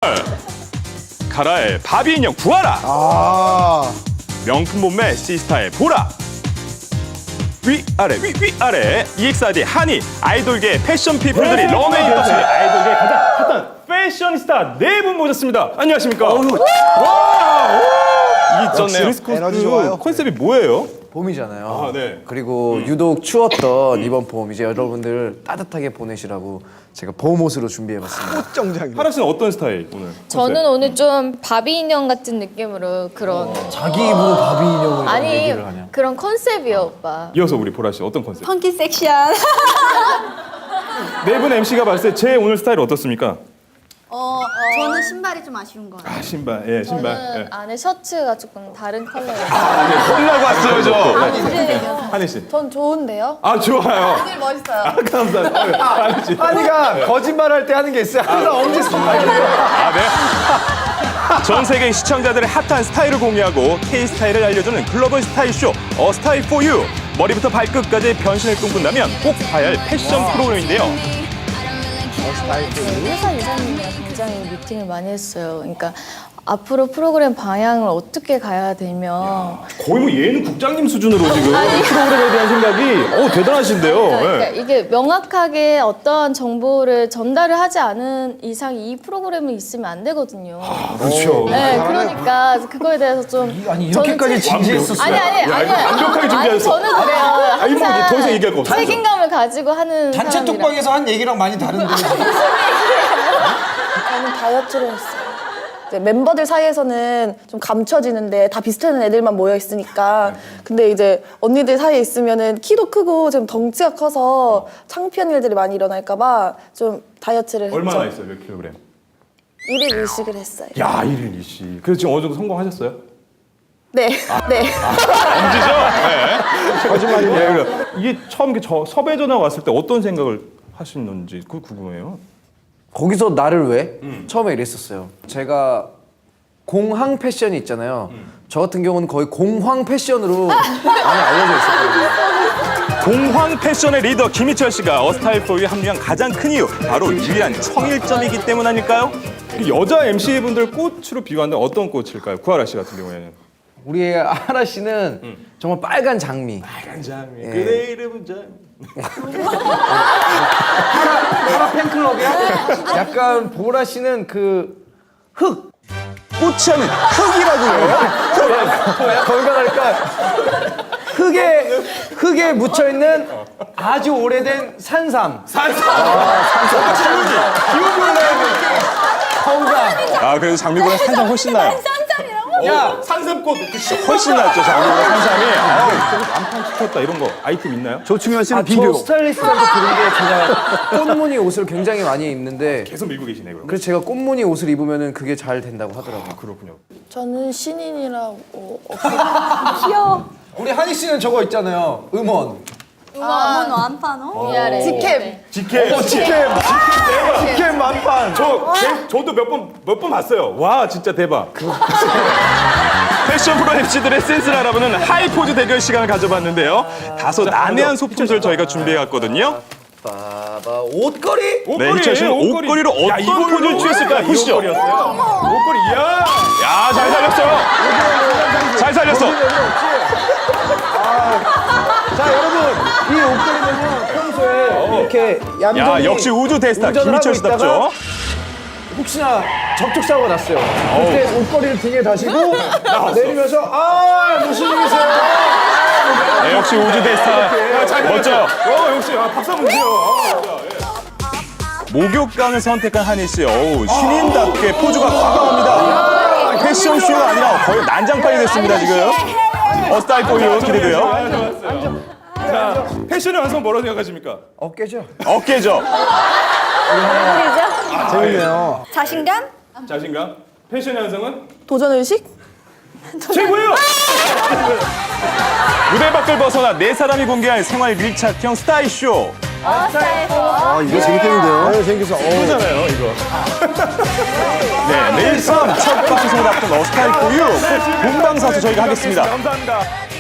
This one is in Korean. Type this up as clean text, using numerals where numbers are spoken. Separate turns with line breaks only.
가라의 바비 인형 구하라. 명품 몸매 시스타의 보라. 위아래 위아래 EXID 한이 아이돌계 패션 피플들이 런웨이 떴습니다. 아이돌계 가장 핫한 패셔니스타 네 분 모셨습니다. 안녕하십니까? 와, 이게 있었네요. 드레스
에너지 좋아요.
컨셉이 뭐예요?
봄이잖아요.
아, 네.
그리고 유독 추웠던 이번 봄 이제 여러분들 따뜻하게 보내시라고 제가 봄 옷으로 준비해봤습니다.
정장이.
하라 씨는 어떤 스타일 오늘?
저는 오늘 좀 바비 인형 같은 느낌으로 그런
자기 입으로 바비 인형을
아니
얘기를 하냐?
그런 컨셉이요 오빠.
이어서 우리 보라 씨 어떤 컨셉?
펑키 섹시한.
네 분 MC가 봤을 때 제 오늘 스타일 어떻습니까?
저는 신발이 좀 아쉬운 거 같아요.
아 신발, 예 신발.
저는
예.
안에 셔츠가 조금 다른 컬러예요.
혼나고 왔어요 저. 한희 씨.
전 좋은데요?
아 좋아요.
되게 멋있어요.
아, 감사합니다. 한희 씨.
한이가 거짓말할 때 하는 게 있어요. 항상 엄지 손발이에요.
아 네. 전 세계 시청자들의 핫한 스타일을 공유하고 K 스타일을 알려주는 글로벌 스타일 쇼 A Style for You. 머리부터 발끝까지 변신을 꿈꾼다면 꼭 봐야 할 패션 프로그램인데요.
회사 이사님이랑 굉장히 미팅을 많이 했어요. 그러니까 앞으로 프로그램 방향을 어떻게 가야 되면
거의 뭐 얘는 국장님 수준으로 지금 프로그램에 대한 생각이 대단하신데요.
그러니까
예.
이게 명확하게 어떠한 정보를 전달을 하지 않은 이상 이 프로그램은 있으면 안 되거든요.
그렇죠.
네, 그러니까 그거에 대해서 좀
아니 이렇게까지 진지했었어요.
아니
완벽하게 준비했어.
저는 그래요.
아니 뭐
항상
더 이상 얘기할 거 없어.
책임감을 가지고 하는
단체
사람이라.
톡방에서 한 얘기랑 많이 다른데.
저는 다이어트를 했어요. 이제 멤버들 사이에서는 좀 감춰지는데 다 비슷한 애들만 모여 있으니까. 근데 이제 언니들 사이에 있으면은 키도 크고 좀 덩치가 커서 창피한 일들이 많이 일어날까봐 좀 다이어트를 했죠.
얼마나 있어요? 몇 킬로그램?
1일 일식을 했어요.
야 1일 2시. 그래서 지금 어느 정도 성공하셨어요?
네, 네.
엄지죠? 네. 거짓말이네요. 이게 처음 섭외 전화 왔을 때 어떤 생각을 하시는지 그거 궁금해요.
거기서 나를 왜? 처음에 이랬었어요. 제가 공항 패션이 있잖아요. 저 같은 경우는 거의 공황 패션으로 많이 알려져 있었거든요.
공황 패션의 리더 김희철 씨가 어스타일 포유에 합류한 가장 큰 이유 바로 유일한 청일점이기 때문 아닐까요? 여자 MC분들 꽃으로 비교한다면 어떤 꽃일까요? 구하라 씨 같은 경우에는
우리 하라 씨는 정말 빨간 장미.
빨간 장미 그대 이름은 장미
하라 팬클럽이야? 약간 보라 씨는 그 흙.
꽃이 아닌 흙이라고요?
거기가 갈까? 흙에 묻혀 있는 아주 오래된 산삼. 건강.
아 그래도 장미보다 산삼 훨씬 나요.
야,
산삼꽃 훨씬 낫죠 장미보다 산삼이. 완판 시켰다 이런 거 아이템 있나요?
조충현 씨는
저 스타일리스트한테 들은 게 제가 꽃무늬 옷을 굉장히 많이 입는데
계속 밀고 계시네 그럼.
그래서 제가 꽃무늬 옷을 입으면은 그게 잘 된다고 하더라고요.
그렇군요.
저는 신인이라고.
우리 한희 씨는 저거 있잖아요. 음원.
어머너 안 파노?
위아래.
직캠.
직캠 만판. 저도 몇 번 봤어요. 와 진짜 대박. 패션 프로 MC들의 센스를 알아보는 하이포즈 대결 시간을 가져봤는데요. 다소 난해한 소품들 저희가 준비해왔거든요.
봐봐 옷걸이?
네, 희철 씨는 옷걸이로 어떤 포즈를 취했을까요? 보시죠. 옷걸이, 이야. 야, 잘 살렸어요. 잘 살렸어.
자 여러분 이 옷걸이는요 평소에 이렇게
야,
얌전히
역시 우주 대스타
운전을
김희철
하고 있다가
씨답죠.
혹시나 접촉 사고가 났어요. 그때 옷걸이를 등에 다시고 내리면서 무슨 일이세요?
네, 역시 우주 대스타. 멋져요. 역시 박수 한번 주세요. 목욕강을 선택한 한희 씨. 어우, 신인답게 포즈가 과감합니다. 패션쇼가 아니라 거의 난장판이 됐습니다, 지금. 어스타일 포유 기대돼요. 자, 패션의 완성 뭐라고 생각하십니까?
어깨죠.
어깨죠.
재밌네요.
자신감?
자신감. 패션의 완성은
도전의식?
최고예요. 무대 밖을 벗어나 네 사람이 공개할 생활 밀착형 스타일 쇼.
이거 재밌겠는데요? 네, 재밌겠어.
이거잖아요, 이거. 네, 내일 밤 첫 방송을 앞둔 어스타일 포유 본방사수 저희가 하겠습니다. 감사합니다.